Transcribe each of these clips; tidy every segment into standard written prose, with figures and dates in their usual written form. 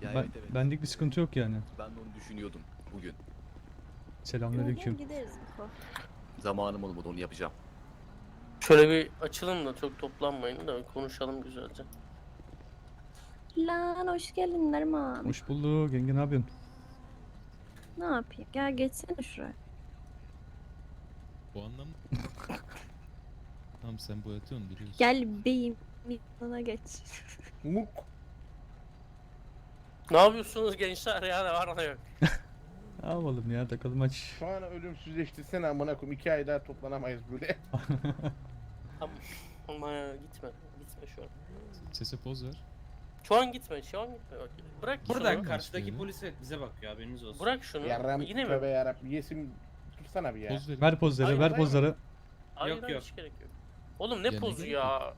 Ya Ben, evet evet. benlik bir sıkıntı yok yani. Ben de onu düşünüyordum bugün. Selamünaleyküm. Gideriz Miko. Zamanım olmadı, onu yapacağım. Şöyle bir açılın da çok toplanmayın da konuşalım güzelce. Lan hoş geldin Neriman. Hoş bulduk. Yenge ne yapıyorsun? Ne yapayım? Gel geçsene şuraya. Bu anlam... Tamam sen boyatıyorsun biliyorsun. Gel beyim. Yanına geç. Muk. Ne yapıyorsunuz gençler ya, ne var ne yok? Ne yapalım ya, takalım aç. Şu an ölümsüzleştirsene amına koyayım. 2 ay daha toplanamayız böyle. Ama ya, gitme şu an. Sese poz ver. Şu an gitme bak. Bırak Burada şunu. karşıdaki Polis bize bakıyor, haberiniz olsun. Bırak şunu. Yarram Yine mi? tövbe yarabbim. Yesim tutsana bir ya. Poz verin. Ver pozları, Hayır, ver hayır. pozları. Hayır, Yok, hayır, yok. hiç gerek yok. Oğlum ne Ya, pozu ne ya?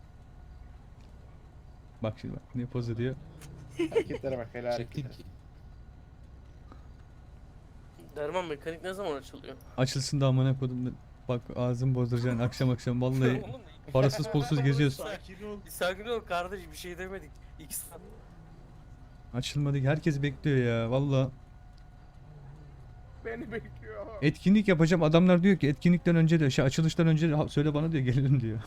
Bak şimdi bak, ne pozu diyor. Hareketlere bak, helal Çektim hareketler. ki. Derman mekanik ne zaman açılıyor? Açılsın da amına kodum. Bak ağzım bozduracaksın akşam akşam vallahi. Oğlum, Parasız pulsuz geziyoruz. Sakin ol kardeş, bir şey demedik. İki saat. Açılmadı ki, herkes bekliyor ya valla. Beni bekliyor. Etkinlik yapacağım, adamlar diyor ki etkinlikten önce de açılıştan önce de söyle bana diyor, gelirim diyor.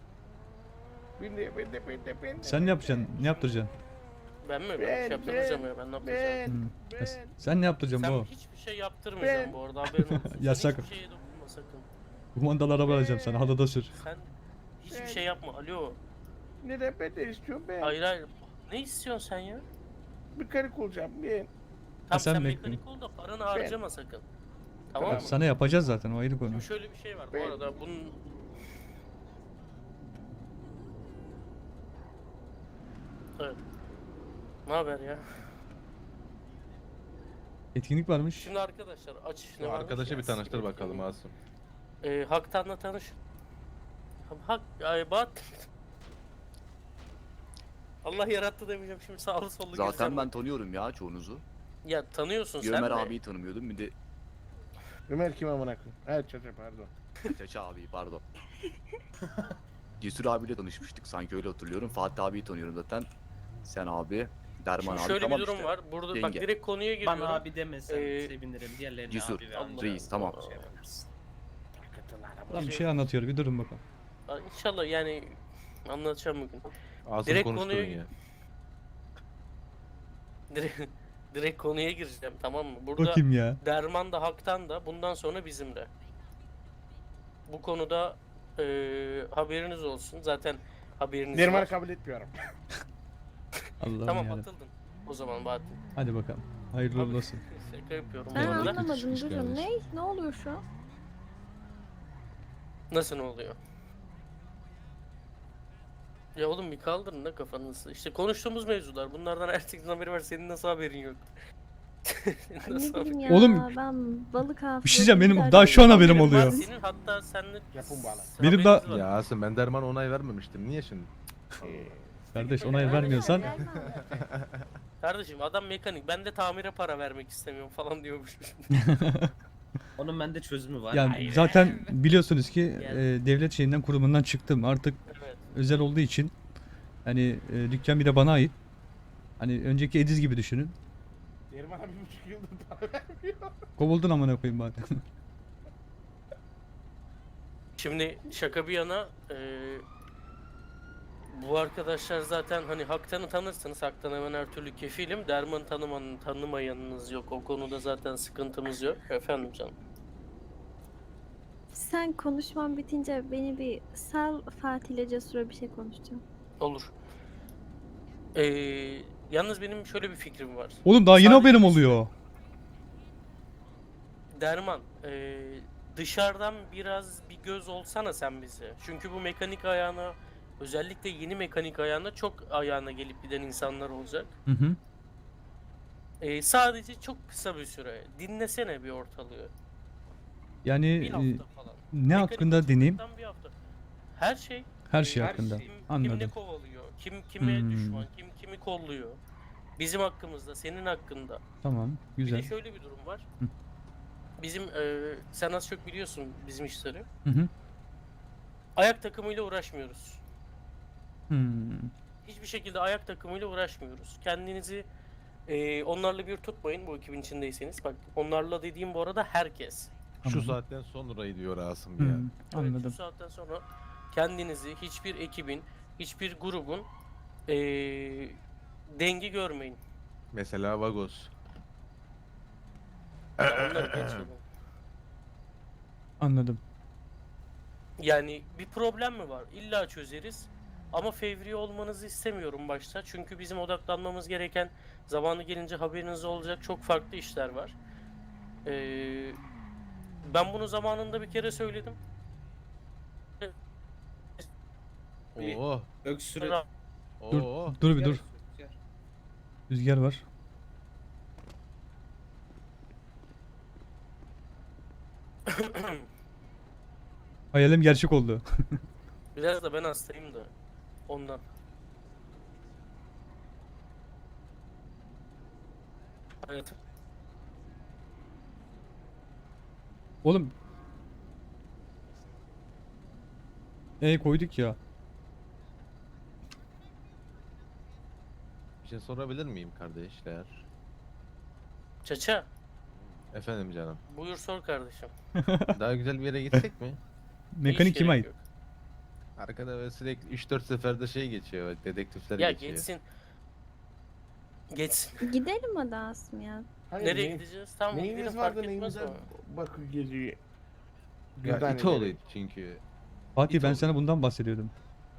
Ben de. Sen ne yapacaksın? Ne yaptıracaksın? Ben mi? Ben bir Ben, şey yaptırmayacağım ya, ben ne yapacağım? Ben. Sen ne yaptıracaksın Sen bu? hiçbir şey yaptırmayacaksın Ben- bu arada, haberin olsun. Sen Yasak. hiçbir şeye dokunma sakın. Kumandalı araba alacağım sana, halada sür. Sen hiçbir şey yapma. Alo. Neden ben de istiyorum ben. Hayır hayır. Ne istiyorsun sen ya? Bir karı olacağım ben. Tamam sen sen bekle. mekanik ol da paranı harcama sakın. Tamam mı? Sana yapacağız zaten, o ayrı konu. Şimdi şöyle bir şey var bu Ben- arada. Bunun Evet. Ne haber ya? Etkinlik varmış. Şimdi arkadaşlar aç ne Bu varmış arkadaşı ya, bir tanıştır siktir bakalım et. Asım. Haktan'la tanış. Hak ay bat. Allah yarattı demeyeceğim şimdi, sağlı sollu Zaten gezeceğim. ben tanıyorum ya çoğunuzu. Ya tanıyorsun sen Ömer de. abiyi tanımıyordum, bir de Ömer kim amına koyayım? Evet çocuğum pardon. Çaça abiyi, pardon. Cesur abiyle tanışmıştık sanki, öyle hatırlıyorum. Fatih abiyi tanıyorum zaten. Sen abi, Derman Şimdi abi, şöyle tamam bir durum işte. var. Burada bak Yenge. direkt konuya giriyorum. Bana abi demesen Ee, sevinirim. Diğerlerine Cesur, abi ve amca reis, tamam. şey yaparsın. Lan bir şey anlatıyor, bir durun bakalım. İnşallah yani anlatacağım bugün. Asım Direkt konuşturun konuya- ya. Direkt konuya gireceğim, tamam mı? Burada Bakayım ya. Derman da Hak'tan da bundan sonra bizimle. Bu konuda haberiniz olsun. Zaten haberiniz Neriman'ı var. kabul etmiyorum. Allah'ım Tamam, ya. atıldın. O zaman Bahattin. Hadi bakalım. Hayırlı Abi, uğurlu olsun. Şaka yapıyorum. Ben bu arada. Eyvallah. anlamadım, Çıkmış durun. kardeşim. Ne oluyor şu an? Nasıl ne oluyor? Ya oğlum bir kaldırın da kafanızı. İşte konuştuğumuz mevzular. Bunlardan herkesin haberi var. Senin nasıl haberin yok? Senin Ne nasıl bileyim haberin? ya, Oğlum, ben balık avlıyorum. Bir şey diyeceğim, benim derdim. daha şu an haberim Haberin var oluyor. Senin hatta seninle Yapın bana. Benim daha- haberiniz var. Ya Asım ben Derman onay vermemiştim. Niye şimdi? Kardeş onay vermiyorsan Kardeşim adam mekanik. Ben de tamire para vermek istemiyorum falan diyormuş. Onun bende çözümü var. yani Hayır. zaten biliyorsunuz ki Yani. devlet şeyinden, kurumundan çıktım. Artık Evet. özel olduğu için hani dükkan bir de bana ait. Hani önceki Ediz gibi düşünün. Neriman'a 1,5 yıldır para vermiyor. Kovuldun amına koyayım bari. Şimdi şaka bir yana bu arkadaşlar zaten hani Haktan'ı tanırsınız. Haktan hemen her türlü kefilim. Derman tanımayanınız yok. O konuda zaten sıkıntımız yok. Efendim canım. Sen konuşman bitince beni bir sal, Fatih ile Cesur'a bir şey konuşacağım. Olur. Yalnız benim şöyle bir fikrim var. Oğlum daha yeni Sadece haberim bir- oluyor. Derman, dışarıdan biraz bir göz olsana sen bize. Çünkü bu mekanik ayağına, özellikle yeni mekanik ayağına çok ayağına gelip giden insanlar olacak. Hı hı. Sadece çok kısa bir süre. Dinlesene bir ortalığı. Yani Bir hafta falan. ne Mekanik hakkında deneyim? açıldıktan bir hafta. Her şey. Her şey Her hakkında. Kim ne Anladım. kovalıyor, kim kime Hmm. düşman, kim kimi kolluyor. Bizim hakkımızda, senin hakkında. Tamam. Bir Güzel. de şöyle bir durum var. Hı. Bizim sen az çok biliyorsun bizim işleri. Hı hı. Ayak takımıyla uğraşmıyoruz. Hmm. Hiçbir şekilde ayak takımıyla uğraşmıyoruz. Kendinizi Onlarla bir tutmayın bu ekibin içindeyseniz. Bak onlarla dediğim bu arada herkes. Şu Anladım. saatten sonrayı diyor Asım ya. Hmm, Evet, anladım. şu saatten sonra kendinizi hiçbir ekibin, hiçbir grubun dengi görmeyin. Mesela Vagos. Ya onları geçelim. Anladım. Yani bir problem mi var? İlla çözeriz. Ama fevri olmanızı istemiyorum başta. Çünkü bizim odaklanmamız gereken, zamanı gelince haberiniz olacak çok farklı işler var. Ben bunu zamanında bir kere söyledim. Oo. Öksürük. Dur, Oo. dur bir dur. Rüzgar var. Hayalim gerçek oldu. Biraz da ben hastayım da ondan. Hayatım. Oğlum. Koyduk ya. Bir şey sorabilir miyim kardeşler? Çaça, Efendim canım. buyur sor kardeşim. Daha güzel bir yere gitsek mi? Mekanik Hiç kime gerek ait? yok. Arkada böyle sürekli 3-4 seferde şey geçiyor. Bak, dedektifler Ya geçiyor. geçsin. Geçsin. Gidelim hadi Asım ya. Hayır, Nereye gideceğiz? Tamam gidelim Neyiniz fark vardı etmez neyinize ama. bakı geziyor. Ya Gürdane İtoğlu'ydu çünkü. Fatih ben oldu. sana bundan bahsediyordum.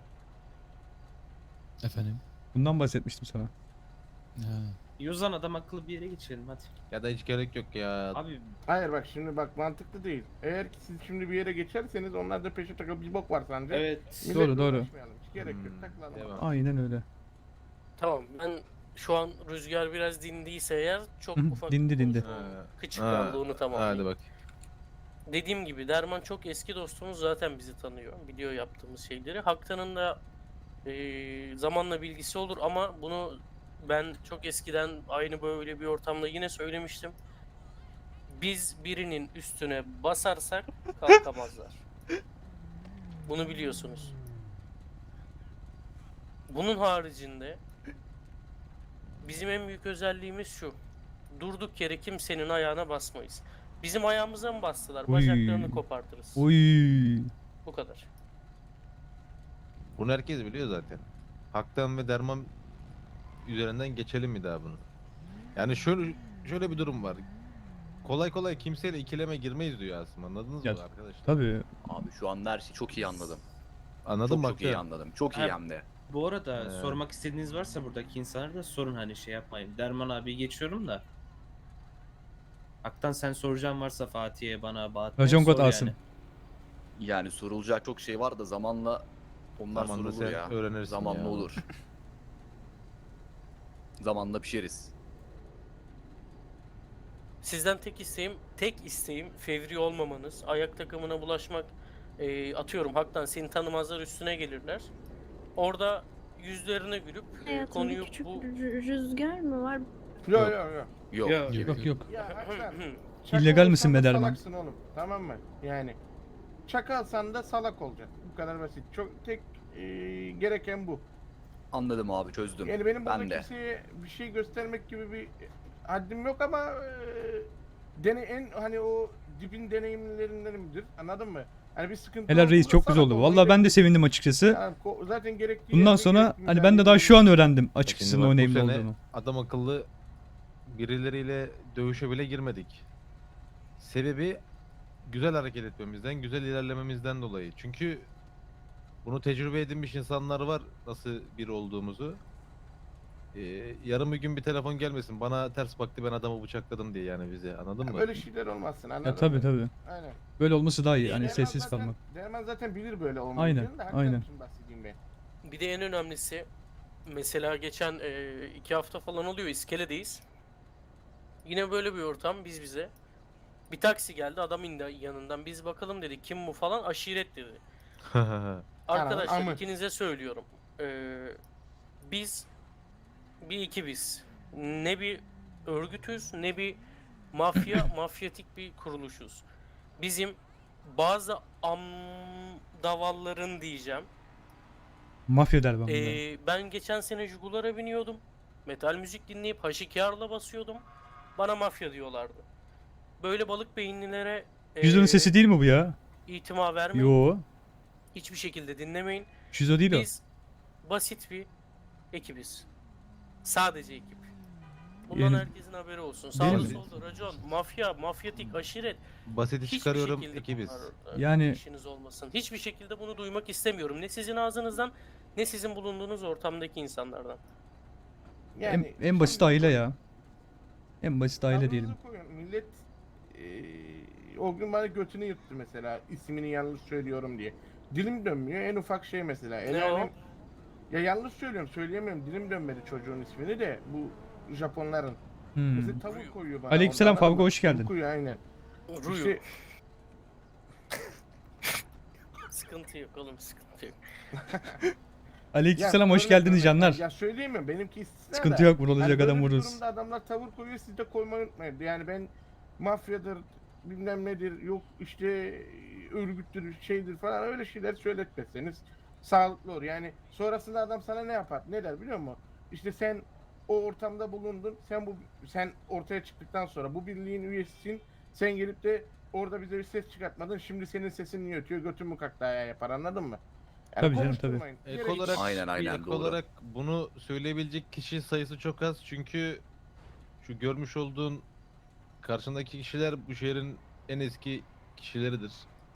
Efendim? Bundan bahsetmiştim sana. Ha. Yozan adam akıllı bir yere geçelim hadi. Ya da hiç gerek yok ya. Abi Hayır bak şimdi bak mantıklı değil. Eğer ki siz şimdi bir yere geçerseniz onlar da peşe takıp bir bok var sence. evet. Milletle Doğru. uğraşmayalım, hiç gerek yok. Hmm, Takılalım. devam. Aynen öyle. Tamam ben şu an rüzgar biraz dindiyse eğer çok Hı hı, ufak dindi, bir dindi. konuşma Ha, kıçıklandı onu Hadi tamamlayayım. bak. Dediğim gibi Derman çok eski dostumuz zaten bizi tanıyor. Biliyor yaptığımız şeyleri. Haktan'ın da zamanla bilgisi olur ama bunu ben çok eskiden aynı böyle bir ortamda yine söylemiştim. Biz birinin üstüne basarsak kalkamazlar. Bunu biliyorsunuz. Bunun haricinde bizim en büyük özelliğimiz şu. Durduk yere kimsenin ayağına basmayız. Bizim ayağımıza mı bastılar? Uy. Bacaklarını kopartırız. Oy. Bu kadar. Bunu herkes biliyor zaten. Haktan ve Derman üzerinden geçelim mi daha bunu? Yani şöyle bir durum var. Kolay kolay kimseyle ikileme girmeyiz diyor aslında. Anladınız Ya, mı arkadaşlar? Tabii. Abi şu anda her şeyi çok iyi anladım. Anladın Çok mı? çok iyi anladım. Çok iyi Abi- hem de. Bu arada Ee. sormak istediğiniz varsa buradaki insanlara da sorun hani şey yapmayın. Derman abi geçiyorum da. Haktan sen soracağın varsa Fatih'e bana Bahattin'e Racon God sor Asım. yani. Yani sorulacak çok şey var da zamanla onlar Zamanla sorulur sen ya. öğrenirsin Zamanla ya. olur. Zamanla pişeriz. Sizden tek isteğim fevri olmamanız. Ayak takımına bulaşmak, atıyorum haktan seni tanımazlar üstüne gelirler. Orada yüzlerine gülüp Hayatımda konuyu küçük bu rüzgar mı var? Yok yok yok. Yok. Yok. Yok yok. Ya hakikaten. İllegal misin Çakal be olsan da Derman? salaksın oğlum. Tamam mı? Yani. Çakalsan da salak olacaksın. Bu kadar basit. Çok tek gereken bu. Anladım abi çözdüm. Yani benim burada Ben de. kimseye bir şey göstermek gibi bir haddim yok ama en hani o dibin deneyimlerindenimdir. Anladın mı? Hani bir sıkıntı Helal reis olduğunda çok güzel salak oldu. olmayı Vallahi ben de bekliyorum. sevindim açıkçası. Yani zaten gerektiği Bundan yerde sonra gerektiği hani ben de daha şu an öğrendim açıkçası Şimdi bak, o bu name'li sene olduğunu. adam akıllı birileriyle dövüşe bile girmedik. Sebebi güzel hareket etmemizden, güzel ilerlememizden dolayı. Çünkü bunu tecrübe edinmiş insanlar var nasıl biri olduğumuzu. Yarın bir gün bir telefon gelmesin bana ters baktı ben adamı bıçakladım diye yani bize anladın mı? Böyle şeyler olmasın anladın Ya tabii mı? tabii. Aynen. Böyle olması daha iyi. Hani Derman sessiz zaten- kalmak. Derman zaten bilir böyle Aynen, olmayacağını da hakikaten aynen. için bahsedeyim ben. Bir de en önemlisi mesela geçen 2 hafta falan oluyor iskeledeyiz. Yine böyle bir ortam biz bize. Bir taksi geldi adam indi yanından biz bakalım dedik kim bu falan aşiret dedi. Arkadaşlar amı. ikinize söylüyorum. Biz bir ekibiz. Ne bir örgütüz ne bir mafyatik bir kuruluşuz. Bizim bazı davalların diyeceğim. Mafya der ben bunlara. Ben geçen sene Jugular'a biniyordum. metal müzik dinleyip H2R'la basıyordum. Bana mafya diyorlardı. Böyle balık beyinlilere Şizo'nun sesi değil mi bu ya? itima vermeyin. Yo. Hiçbir şekilde dinlemeyin. Şizo değil o. Biz basit bir ekibiz. Sadece ekip. Bundan Yani- herkesin haberi olsun. Benim- Sağda solda racon, mafya, mafyatik, aşiret. Basiti Hiçbir çıkarıyorum şekilde ekibiz. bunlar, Yani- işiniz olmasın. Hiçbir şekilde bunu duymak istemiyorum. Ne sizin ağzınızdan ne sizin bulunduğunuz ortamdaki insanlardan. En basit aile ya. En basit aile tavrınızı diyelim. koyun. Millet o gün bana götünü yırttı mesela ismini yanlış söylüyorum diye. Dilim dönmüyor en ufak şey mesela. El Ne alem- Ya yanlış söylüyorum söyleyemiyorum dilim dönmedi çocuğun ismini de bu Japonların. Hmm. Mesela tavuk koyuyor bana. Aleykümselam ondan, Favgo, ama hoş geldin. tavuk koyuyor aynen. Ruyu. İşte Sıkıntı yok oğlum, sıkıntı yok. Aleykümselam ya hoş örnek geldiniz örnek- canlar. Ya söyleyemiyorum benimki istisna Sıkıntı da. yok, vurulacak Hani adam böyle bir vururuz. durumda adamlar tavır koyuyor siz de koymayı unutmayın. Yani ben mafyadır bilmem nedir yok işte örgüttür şeydir falan öyle şeyler söyletmezseniz sağlıklı olur. Yani sonrasında adam sana ne yapar? Ne der biliyor musun? İşte sen o ortamda bulundun. Sen ortaya çıktıktan sonra bu birliğin üyesisin. Sen gelip de orada bize bir ses çıkartmadın. Şimdi senin sesin niye ötüyor? Götün mü kalktı ayağa yapar anladın mı? Tabii canım, konuşturmayın. Ek Gerek- olarak, Aynen, ek doğru. olarak bunu söyleyebilecek kişi sayısı çok az çünkü şu görmüş olduğun karşındaki kişiler bu şehrin en eski kişileridir.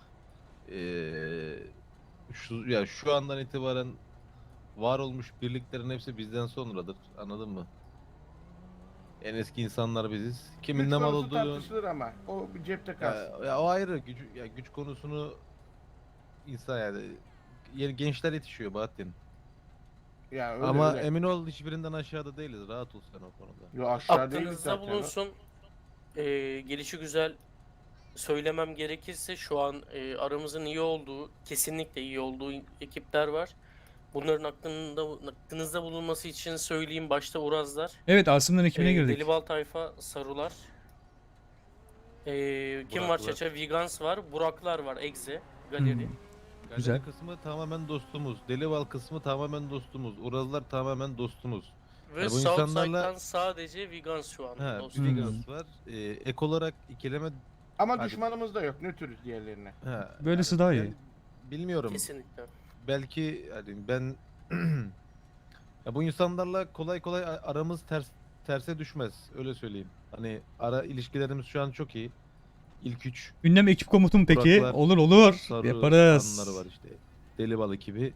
Şu andan itibaren var olmuş birliklerin hepsi bizden sonradır. Anladın mı? En eski insanlar biziz. Kimin Güç ne mal konusu olduğunu tartışılır ama o bir cepte kalsın. ya o ayrı güç konusunu insan gençler yetişiyor Bahattin. Ya öyle, Ama öyle. emin ol hiçbirinden aşağıda değiliz. Rahat ol sen o konuda. Yo, aşağı değiliz Aklınızda zaten. bulunsun. Gelişi güzel söylemem gerekirse şu an aramızın iyi olduğu, kesinlikle iyi olduğu ekipler var. Bunların aklınızda bulunması için söyleyeyim, başta Urazlar, Evet, Asım'dan ekibine girdik. Delibal Tayfa, Sarular, kim var Buraklar. Çaça, Vegans var, Buraklar var, Egze, Galeri. Hmm. Galeri Güzel. kısmı tamamen dostumuz. Delival kısmı tamamen dostumuz. Urazlar tamamen dostumuz. Ve Ya bu Southside'dan insanlarla- sadece Vegans şu an Ha, dostum. Vegans var. Ek olarak ikileme Ama Hadi. düşmanımız da yok. Nötrüz diğerlerine. ha, Böylesi daha iyi. bilmiyorum. Kesinlikle. Belki hani ben ya bu insanlarla kolay kolay aramız terse düşmez. Öyle söyleyeyim. Hani ara ilişkilerimiz şu an çok iyi. İlk üç Ünlem ekip komutum peki? Buraklar, Olur. sarı Yaparız. anları var işte. Deli bal ekibi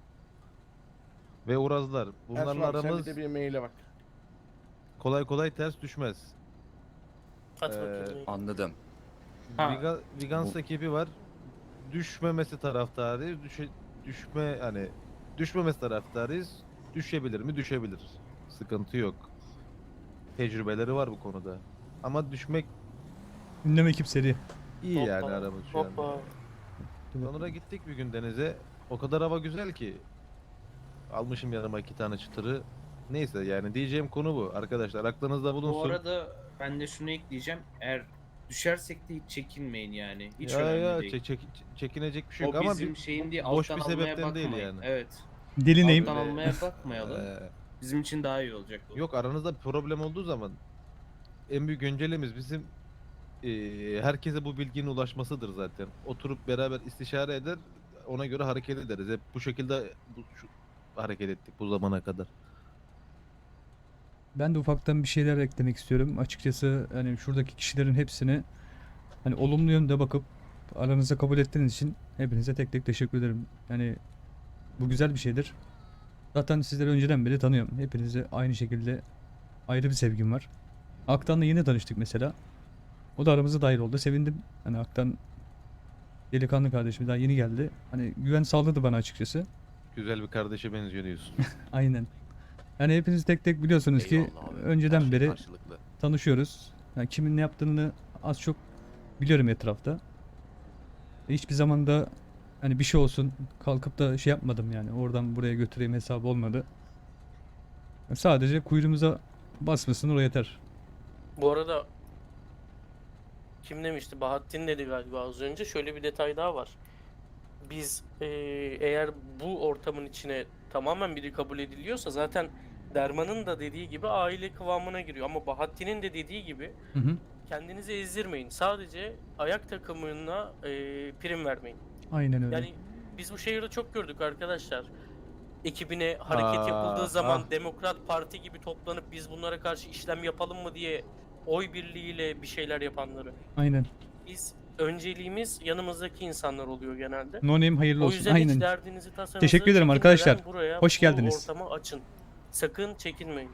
ve Urazlar. Bunlarla Ersoy abi, sen aramız bir de bir maile bak. kolay kolay ters düşmez. At Ee, bakayım. Anladım. Ha. Vegans ekibi var. Düşmemesi taraftarıyız. Düşmemesi taraftarıyız. Düşebilir mi? Düşebilir. Sıkıntı yok. Tecrübeleri var bu konuda. Ama düşmek Ünlem ekip seri. iyi Hoppa, yani aramız şu anda. Hoppa. Sonra gittik bir gün denize. O kadar hava güzel ki. Almışım yanıma 2 tane çıtırı. Neyse yani diyeceğim konu bu. Arkadaşlar aklınızda bulunsun. Bu arada ben de şunu ekleyeceğim. Eğer düşersek de hiç çekinmeyin yani. Hiç ya önemli değil. çekinecek bir şey yok O ama bizim şeyin değil, boş alttan bir almaya sebepten değil bakmayın. yani. Evet. Deli neyim? Alttan almaya bakmayalım. Ee, Bizim için daha iyi olacak. bu. yok aranızda bir problem olduğu zaman en büyük öncelemiz bizim herkese bu bilginin ulaşmasıdır zaten. Oturup beraber istişare eder, ona göre hareket ederiz. Hep bu şekilde hareket ettik bu zamana kadar. Ben de ufaktan bir şeyler eklemek istiyorum. Açıkçası hani şuradaki kişilerin hepsini hani olumlu yönde bakıp aranızda kabul ettiğiniz için hepinize tek tek teşekkür ederim. Yani bu güzel bir şeydir. Zaten sizleri önceden beri tanıyorum. Hepinize aynı şekilde ayrı bir sevgim var. Aktan'la yeni tanıştık mesela. O da aramıza dahil oldu. Sevindim. Hani Aktan delikanlı kardeşim daha yeni geldi. Hani güven sağladı bana açıkçası. Güzel bir kardeşe benziyor diyorsun. Aynen. Yani hepiniz tek tek biliyorsunuz ki Eyvallah abi. Her önceden şey beri karşılıklı. tanışıyoruz. Yani kimin ne yaptığını az çok biliyorum etrafta. Hiçbir zaman da hani bir şey olsun kalkıp da şey yapmadım yani. Oradan buraya götüreyim hesabı olmadı. Sadece kuyruğumuza basmasın o yeter. Bu arada kim demişti? Bahattin dedi galiba az önce. Şöyle bir detay daha var. Biz eğer bu ortamın içine tamamen biri kabul ediliyorsa zaten Derman'ın da dediği gibi aile kıvamına giriyor. Ama Bahattin'in de dediği gibi Hı hı. kendinizi ezdirmeyin. Sadece ayak takımına prim vermeyin. Aynen öyle. Yani biz bu şehirde çok gördük arkadaşlar. Ekibine hareket yapıldığı zaman Demokrat Parti gibi toplanıp biz bunlara karşı işlem yapalım mı diye oy birliğiyle bir şeyler yapanları. Aynen. Biz önceliğimiz yanımızdaki insanlar oluyor genelde. No name hayırlı O olsun. yüzden hiç Aynen. derdinizi tasanızı Teşekkür ederim çekinmeden arkadaşlar. buraya, Hoş bu geldiniz. ortamı açın. Sakın çekinmeyin.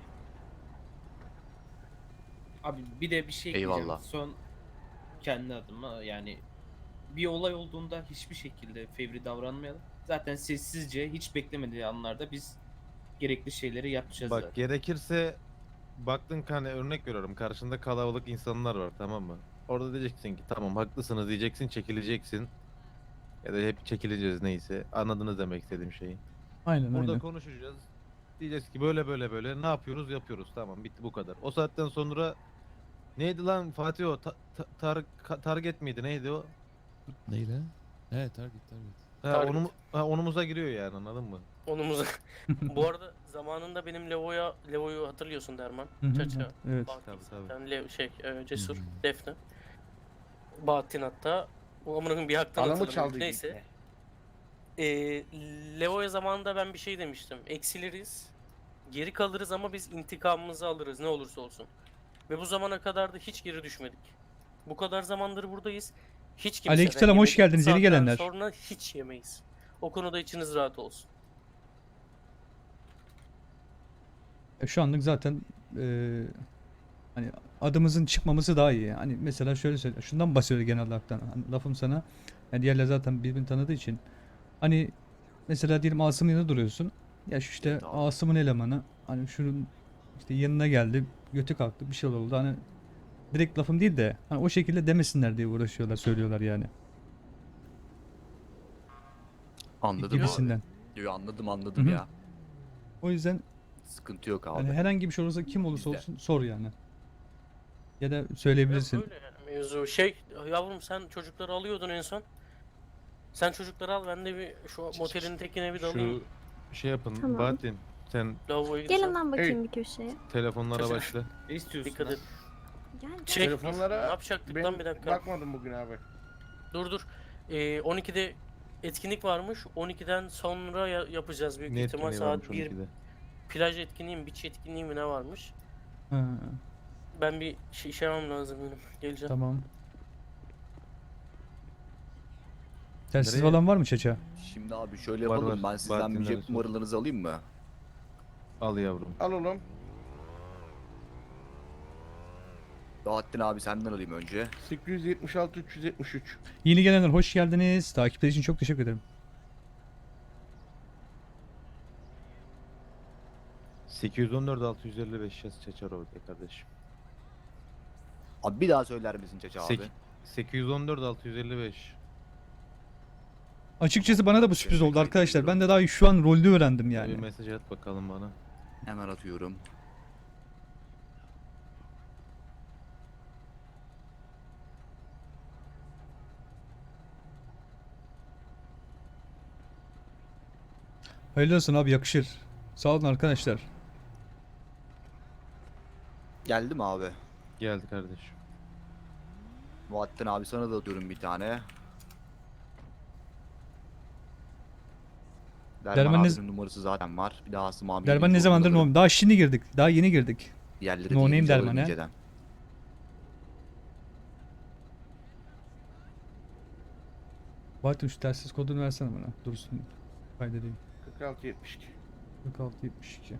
Abi bir de bir şey ekleyeceğim. Eyvallah. Son kendi adıma yani bir olay olduğunda hiçbir şekilde fevri davranmayalım. Zaten sessizce hiç beklemediği anlarda biz gerekli şeyleri yapacağız Bak zaten. gerekirse baktın ki hani örnek veriyorum karşında kalabalık insanlar var, tamam mı? Orada diyeceksin ki tamam haklısınız diyeceksin, çekileceksin. Ya da hep çekileceğiz neyse. Anladınız demek istediğim şeyi. Aynen Burada aynen. konuşacağız. Diyeceğiz ki böyle böyle böyle ne yapıyoruz yapıyoruz, tamam bitti bu kadar. O saatten sonra neydi lan Fatih o target miydi neydi o? Neyle? Evet, target. Ha, Target. onumuza giriyor yani, anladın mı? Onumuza. Bu arada zamanında benim Levo'yu hatırlıyorsun Derman. Hı hı, Çaça. evet. Bahattin Tabii, tabii. zaten, Cesur, Hı hı. Defne. Bahattin hatta. O amına koyayım bir haktan Anamı hatırlamıyorum. çaldı. Neyse. Levo'ya zamanında ben bir şey demiştim. Eksiliriz. Geri kalırız ama biz intikamımızı alırız ne olursa olsun. Ve bu zamana kadar da hiç geri düşmedik. Bu kadar zamandır buradayız. Hiç kimseden Aleykümselam, hoş yemedik. geldiniz, yeni Saatten gelenler. sonra hiç yemeyiz. O konuda içiniz rahat olsun. Şu anlık zaten hani adımızın çıkmaması daha iyi. Hani mesela şöyle söyle. Şundan bahsediyor genel olarak. Hani lafım sana. Yani diğerler zaten birbirini tanıdığı için. Hani mesela diyelim Asım'ın yanında duruyorsun. Ya şu işte Tamam. Asım'ın elemanı. Hani şunun işte yanına geldi. Götü kalktı. Bir şey oldu. Hani direkt lafım değil de hani o şekilde demesinler diye uğraşıyorlar. Söylüyorlar yani. Anladım Gibisinden. abi. Yo, anladım Hı hı. ya. O yüzden Sıkıntı yok abi. hani herhangi bir şey olursa kim olursa Bizde. olsun sor yani. Ya da Evet, söyleyebilirsin. böyle yani mevzu. Yavrum sen çocukları alıyordun en son. Sen çocukları al ben de bir şu motelin tekine bir dalayım. Şu şey yapın Tamam. Bahattin, sen Lavaboya gideceğim. Gelin lan bakayım bir köşeye. telefonlara Kaçın. başla. Ne istiyorsun Dikkat lan? et. Gel gel. Çek. Telefonlara Ne yapacaktık Ben lan bir dakika. bakmadım bugün abi. Dur. 12'de etkinlik varmış. 12'den sonra yapacağız büyük Ne ihtimal etkinliği varmış saat 1. 12'de? Plaj etkinliği mi, beach etkinliği mi ne varmış? Ha, Ben bir şey yapmam lazım benim. Geleceğim. tamam. Telsiz Nereye? falan var mı Çaça? Şimdi abi şöyle Var, yapalım. var. Ben sizden Bahattin'den bir cep sonra. numaralarınızı alayım mı? Al yavrum. Al oğlum. Bahattin abi senden alayım önce. 876 373. Yeni gelenler hoş geldiniz. Takipler için çok teşekkür ederim. 814 655 yaz Çaçarov de kardeşim. Abi bir daha söyler misin Çeçe abi? 814 655. Açıkçası bana da bu sürpriz oldu arkadaşlar. Ben de daha şu an rolde öğrendim Bir yani. mesaj at bakalım bana. Hemen atıyorum. Hayırlı olsun abi, yakışır. Sağ olun arkadaşlar. Geldi mi abi? Geldi kardeşim. Bahattin abi sana da atıyorum bir tane. Derman Derman ne- abinin numarası zaten var. Bir daha Asım abi. Derman ne zamandır no? Daha şimdi girdik. Daha yeni girdik. Yerleri No name değilmiş, Derman, alalım he? inceden. Bahattin şu telsiz kodunu versene bana. Dursun. Kaydedeyim. 46 72. 4672.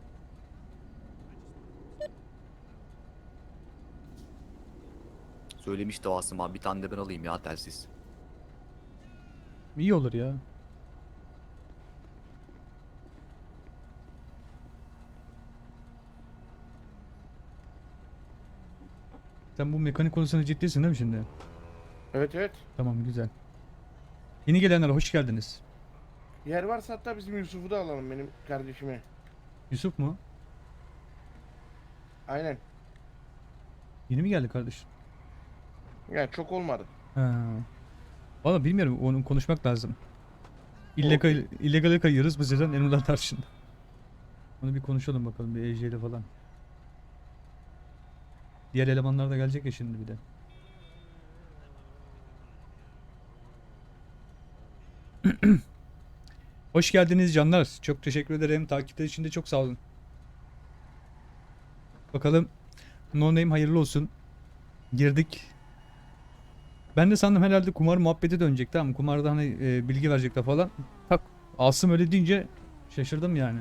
Söylemişti o Asım abi. Bir tane de ben alayım ya telsiz. İyi olur ya. Sen bu mekanik konusunda ciddisin değil mi şimdi? Evet evet. Tamam, güzel. Yeni gelenler hoş geldiniz. Yer varsa hatta bizim Yusuf'u da alalım benim kardeşime. Yusuf mu? Aynen. Yeni mi geldi kardeşim? Yani çok olmadı. Ha. Valla bilmiyorum, onu konuşmak lazım. İllegale kayıyoruz bu sezon Emrullah Tarçın. Onu bir konuşalım bakalım bir EJ ile falan. Diğer elemanlar da gelecek ya şimdi bir de. Hoş geldiniz canlar. Çok teşekkür ederim. Takipler için de çok sağ olun. Bakalım. No Name hayırlı olsun. Girdik. Ben de sandım herhalde kumar muhabbeti dönecek, tamam mı? Kumarda hani bilgi verecekler falan. Tak Asım öyle deyince şaşırdım yani.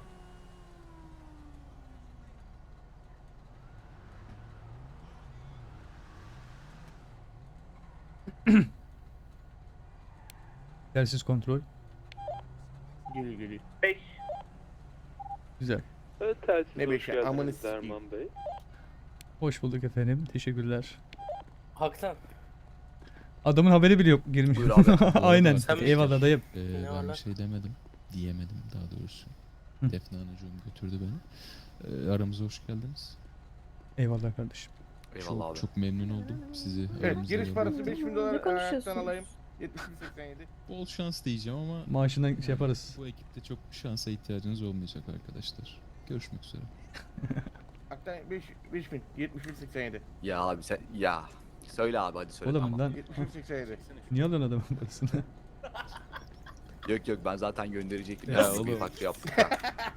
Telsiz kontrol. Geliyor. Güzel. Telsiz Ne hoş beşi, geldiniz amını sikeyim. Derman Bey. Hoş bulduk efendim. Teşekkürler. Haktan. Adamın haberi bile yok girmiş. Buyur abi. Aynen. Sen mi Eyvallah dayım. Ne var Ben lan? bir şey demedim. Diyemedim daha doğrusu. Hı. Defne Anacığım götürdü beni. Aramıza hoş geldiniz. Eyvallah kardeşim. Eyvallah abi. Çok memnun oldum sizi Evet, aramızda giriş parası gördüğüm. 5000 Ne dolar ayaktan konuşuyorsunuz? alayım. 72.87. Bol şans diyeceğim ama Maaşından şey yaparız. bu ekipte çok şansa ihtiyacınız olmayacak arkadaşlar. Görüşmek üzere. Aktan 5000 71.87. Ya abi sen ya. Söyle abi hadi söyle. Oğlum tamam. lan 71.87. niye alıyorsun adamın parasını? Yok ben zaten gönderecektim. Ya Ya oğlum. bir farklı yaptık ya.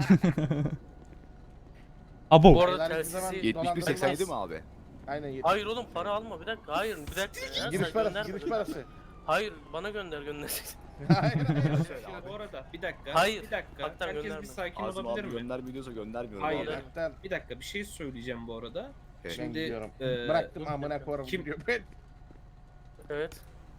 Abo. Bu arada Helal bir zaman- telsizi... 71.87 mi abi? Aynen 70. Hayır oğlum para alma bir dakika. Hayır bir dakika ya. Giriş sen parası, gönderme, giriş dur. parası. Hayır bana gönder. Hayır. Şimdi bu arada bir dakika. Hayır, Bir dakika. haktan Herkes gönderme. bir sakin Azim olabilir abi mi? göndermiyorsa göndermiyorum. Hayır. abi. Aktan Bir dakika bir şey söyleyeceğim bu arada. Evet. ben Şimdi, gidiyorum. e, Bıraktım amına koyarım kim- gidiyor. Ben Evet.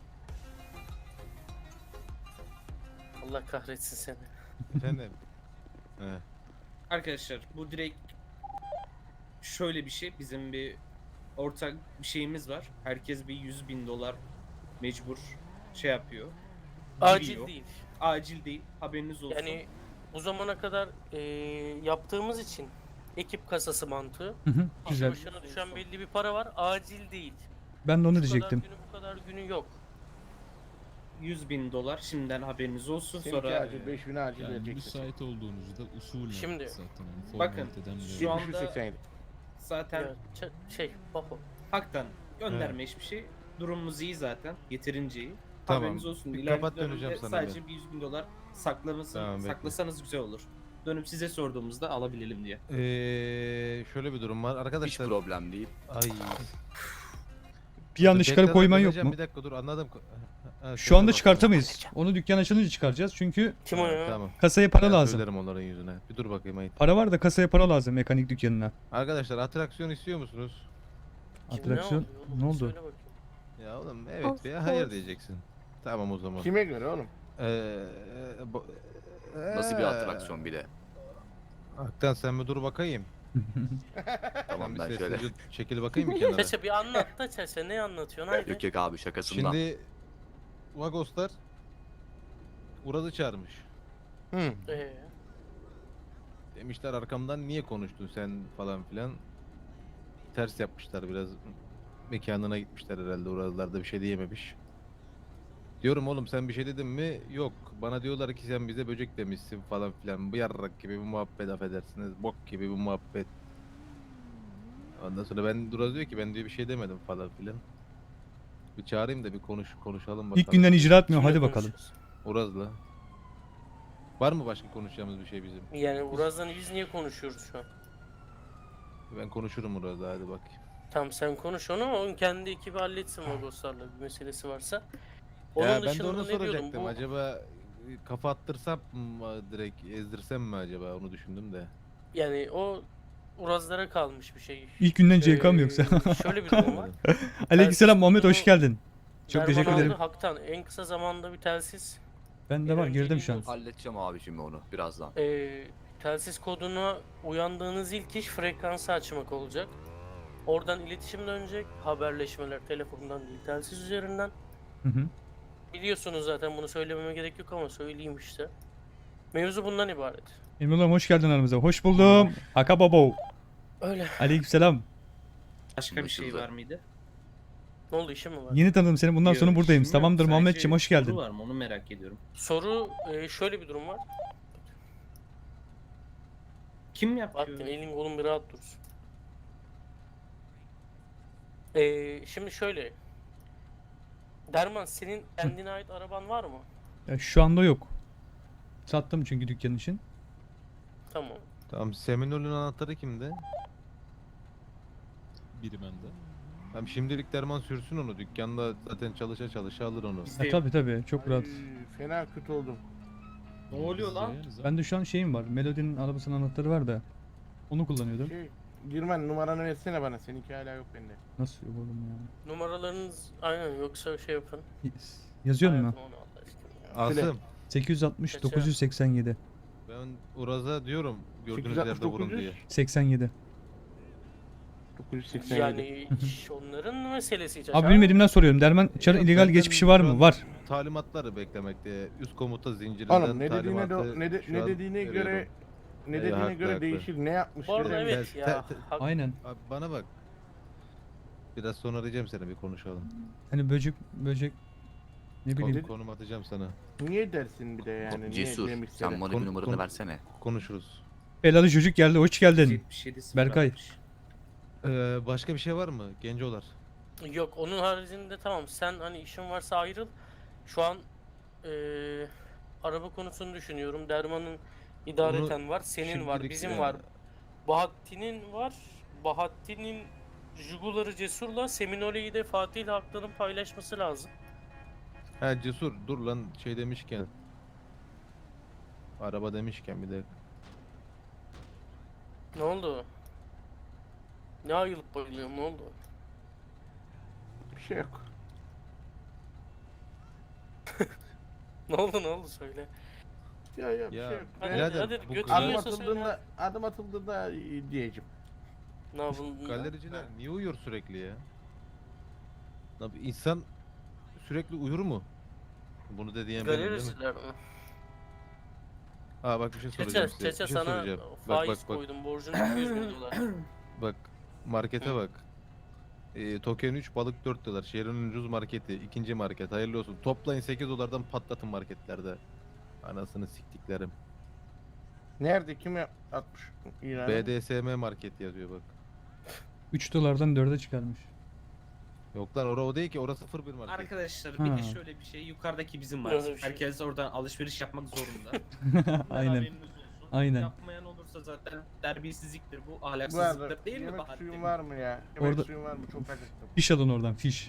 Allah kahretsin seni. Efendim. He. Arkadaşlar bu direkt şöyle bir şey. Bizim bir ortak bir şeyimiz var. Herkes bir 100.000 dolar mecbur şey yapıyor. Acil Giriyor. değil. Acil değil. Haberiniz olsun. Yani bu zamana kadar yaptığımız için ekip kasası mantığı. Hı hı, Kişi Güzel. başına düşen belli bir para var. Acil değil. Ben de onu Şu kadar diyecektim. günü bu kadar günü yok. 100.000 dolar şimdiden haberiniz olsun. seninki Sonra acil 5000 acil Yani vereceksin. müsait olduğunuzda usulen Şimdi- zaten hani Bakın, formaliteden bile- şu an- anda- 71.87. zaten Ya, Bako. haktan gönderme hiçbir şey. Durumumuz iyi zaten. Yeterince iyi. Tamam. Haberiniz olsun. Bir İleriki kapat, dönemde döneceğim sana sadece bir 100.000 dolar Tamam, bekle. saklasanız güzel olur. Dönüp size sorduğumuzda alabilelim diye. Şöyle bir durum var Hiç arkadaşlar. problem değil. Ay. Bir anda Tekrar çıkarıp koyman yok döneceğim, mu? Bir dakika dur anladım. Ha, Şu şöyle anda bak. çıkartamayız. Onu dükkan açılınca çıkaracağız çünkü Kim o ya? Tamam. kasaya para Ben lazım. söylerim onların yüzüne. Bir dur bakayım ayıp. Para var da kasaya para lazım mekanik dükkanına. Arkadaşlar atraksiyon istiyor musunuz? Kim, Atraksiyon. oluyor oğlum? Ne oldu? Söyle bakayım. Ya oğlum evet Of veya hayır course. diyeceksin. Tamam o zaman. Kime göre oğlum? Nasıl bir atraksiyon bir de. Aktan sen bir dur bakayım. Tamam bir ben şöyle. sessizce çekil bakayım bir kenara. Çeçe bir anlat da Çeçe ne anlatıyorsun haydi. Yok abi şakasından. Şimdi Vagoslar Uraz'ı çağırmış. Hı. Demişler arkamdan niye konuştun sen falan filan. Ters yapmışlar biraz. Mekanına gitmişler herhalde. Urazlar da bir şey diyememiş. Diyorum oğlum sen bir şey dedin mi? Yok. Bana diyorlar ki sen bize böcek demişsin falan filan. Bu yarrak gibi bir muhabbet affedersiniz. Bok gibi bir muhabbet. Ondan sonra Uraz diyor ki ben diyor bir şey demedim falan filan. Bir çağırayım da bir konuşalım bakalım. İlk günden icra etmiyor. Kimle Hadi bakalım. konuşuyoruz? Uraz'la. Var mı başka konuşacağımız bir şey bizim? Yani Uraz'dan biz niye konuşuyoruz şu an? Ben konuşurum Uraz'la hadi bakayım. Tamam sen konuş onu, onun kendi ekibi halletsin Vagoslarla bir meselesi varsa. Onun Ya ben de dışında onu ne diyordum? soracaktım. Bu, Acaba kafa attırsam mı direkt ezdirsem mi acaba onu düşündüm de. yani o Urazlara kalmış bir şey. İlk günden CK mı yoksa? Şöyle bir durum var. Aleykümselam Muhammed hoş bunu- geldin. Çok Derman teşekkür aldı, ederim. Haktan en kısa zamanda bir telsiz. Ben de var girdim şu an. Olsun. Halledeceğim abi şimdi onu birazdan. Telsiz koduna uyandığınız ilk iş frekansı açmak olacak. Oradan iletişim dönecek. Haberleşmeler telefondan değil telsiz üzerinden. Hı hı. Biliyorsunuz zaten bunu söylememe gerek yok ama söyleyeyim işte. Mevzu bundan ibaret. Emrullah hoş geldin aramıza. Hoş buldum. Aka babo. Öyle. Aleykümselam. Başka bir şey Anlaşıldı. var mıydı? Ne oldu işim mi var? Yeni tanıdım seni. Bundan sonra Yok, buradayım. işim yok. Tamamdır Sadece Muhammedciğim hoş geldin. Soru var mı onu merak ediyorum. Soru şöyle bir durum var. Kim yapıyor? Bahattin elin kolun bir rahat dursun. Şimdi şöyle. Derman senin kendine ait araban var mı? Ya şu anda yok. Sattım çünkü dükkan için. Tamam. Tamam, Seminol'ün anahtarı kimde? Biri bende. Tamam, şimdilik Derman sürsün onu. Dükkanda zaten çalışa çalışa alır onu. Bizde yok. Tabii çok rahat. Ay, fena kötü oldum. Ne oluyor lan? Ben de şu an şeyim var. Melody'nin arabasının anahtarı var da. Onu kullanıyordum. Girmen numaranı versene bana. Seninki hala yok bende. Nasıl yok oğlum ya? Numaralarınız aynen yoksa şey yapın. Yazıyor mu? Hayatım onu Allah aşkına ya. Asım, 860 Kaça? 987 ben Uraz'a diyorum gördüğünüz yerde vurun 860, diye. 87. 987. Yani iş onların meselesi. Abi bilmediğimden soruyorum. Derman Çar'ın Yok, illegal benden geçmişi var şu mı? an Var. Talimatları beklemekte. Üst komuta zincirinden Oğlum ne dediğine talimatı ne şu an dediğine göre veriyorum. ne Ya, dediğine haklı, göre haklı. değişir. Ne yapmış? Bu arada dedim. evet ya. Aynen. Abi bana bak. Biraz sonra arayacağım seni, bir konuşalım. Hani böcek ne bileyim. Konum atacağım sana. Niye dersin bir de yani? Cesur niye sen bana bir Konu- numaranı konu- versene. Konuşuruz. Belalı çocuk geldi. Hoş geldin. 77 Berkay. Başka bir şey var mı? Gencolar. Yok onun haricinde tamam sen hani işin varsa ayrıl. Şu an araba konusunu düşünüyorum. Derman'ın idareten var, senin var, şimdilik bizim yani. var. Bahattin'in var. Bahattin'in Jugular'ı Cesur'la Seminole'yi de Fatih ile Haklı'nın paylaşması lazım. Ha Cesur, dur lan, şey demişken. Araba demişken bir de. Ne oldu? Ne ayılıp bayılıyorum ne oldu? Bir şey yok. Ne oldu söyle. Ya bir Ya, şey yok. Hadi, birader, hadi, bu götür Adım yiyorsa atıldığında diyeceğim. Ne yapalım? Galericiler niye uyuyor sürekli ya? Abi insan sürekli uyur mu? Bunu da diyen benim değil mi? Galericiler mi? Aa bak, bir şey soracağım size. Çeçe Bir şey sana soracağım. faiz koydum borcun 200 bin dolar. Bak markete bak. Token 3, balık 4 dolar. Şehrin en ucuz marketi. İkinci market. Hayırlı olsun. Toplayın 8 dolardan patlatın marketlerde. Anasını siktiklerim. Nerede kim atmış ilanı? BDSM market yazıyor bak. 3 dolardan 4'e çıkarmış. Yok lan, o değil ki. Orası 01 market. Arkadaşlar Ha. bir de şöyle bir şey, yukarıdaki bizim var. Nasıl bir şey? Herkes oradan alışveriş yapmak zorunda. Aynen. Haberiniz olsun. Aynen. Yapmayan olursa zaten terbiyesizliktir bu, Bu arada ahlaksızlıktır değil mi yemek Bahattin? suyun var mı ya? Yemek Orada- suyun var mı? Çok acıktım. Fiş alın oradan fiş.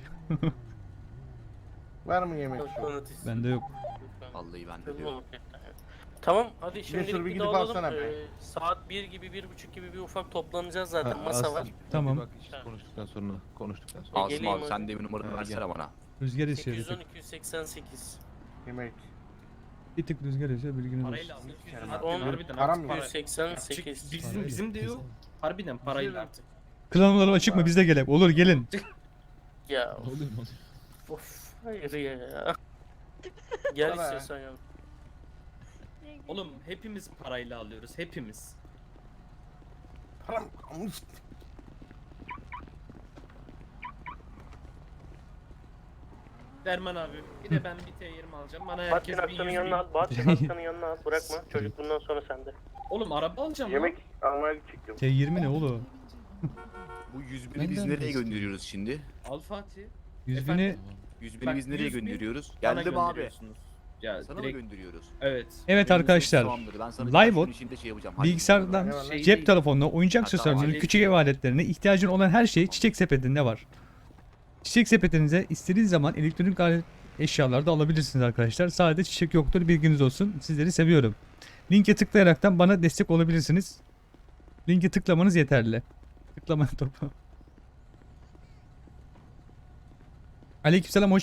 Var mı yemek suyu? Kanıt Bende yok. Vallahi ben de Kızma diyorum. marketten. Tamam hadi bir şimdilik bir gidip dağılalım. alsana be. Saat 1 gibi 1.30 gibi bir ufak toplanacağız zaten Ha, masa Asım, var. Tamam. bir Bak işte konuştuktan sonra. Asım geleyim abi hadi. sen de bir numaranı Ha, versene gel. bana. Rüzgar esiyor bir 810 tık. 288. Yemek. Bir tık rüzgar esiyor bilginiz Parayla olsun. aldık. Kerem Harbiden, abi, harbiden param artık yok. para. 288. Bizim de yok. Harbiden parayla artık. Klanlarım açık mı? Biz de gelek. Olur gelin. Ya Ne oluyor mu? of hayır ya. Gel Sana. istiyorsan ya. Oğlum hepimiz parayla alıyoruz, hepimiz. Param kalmış. Derman abi, bir de ben bir T20 alacağım. Bana Bahattin herkes bir Aktan'ın 100 yanına bin. al. Bahattin Aktan'ın yanına al. Bırakma. Çocuk bundan sonra sende. Oğlum araba alacağım Yemek almaya gidecektim. T20 ne oğlum? Bu 100 bini Ben biz de nereye istiyorum. gönderiyoruz şimdi? lan. Al Fatih. 100 Efendim? bini... Tamam. 100 bini Bak, biz nereye 100 bin gönderiyoruz? Bana Geldim abi. gönderiyorsunuz. Ya Sana mı direkt gönderiyoruz? evet. Evet Benim arkadaşlar. ses soğanları, ben sana Livebot, birkaç gün içinde şey yapacağım. Hadi. Bilgisayardan, Eyvallah. Şey cep değil. telefonuna, oyuncak Ha, aksesuarlarına, tamam. küçük ev aletlerine ihtiyacın olan her şey Çiçek Sepeti'nde var. Çiçek Sepeti'nize istediğiniz zaman elektronik alet eşyalar da alabilirsiniz arkadaşlar. Sadece çiçek yoktur, bilginiz olsun. Sizleri seviyorum. Linke tıklayaraktan bana destek olabilirsiniz. Linke tıklamanız yeterli. Tıklama topu. Aleykümselam, hoş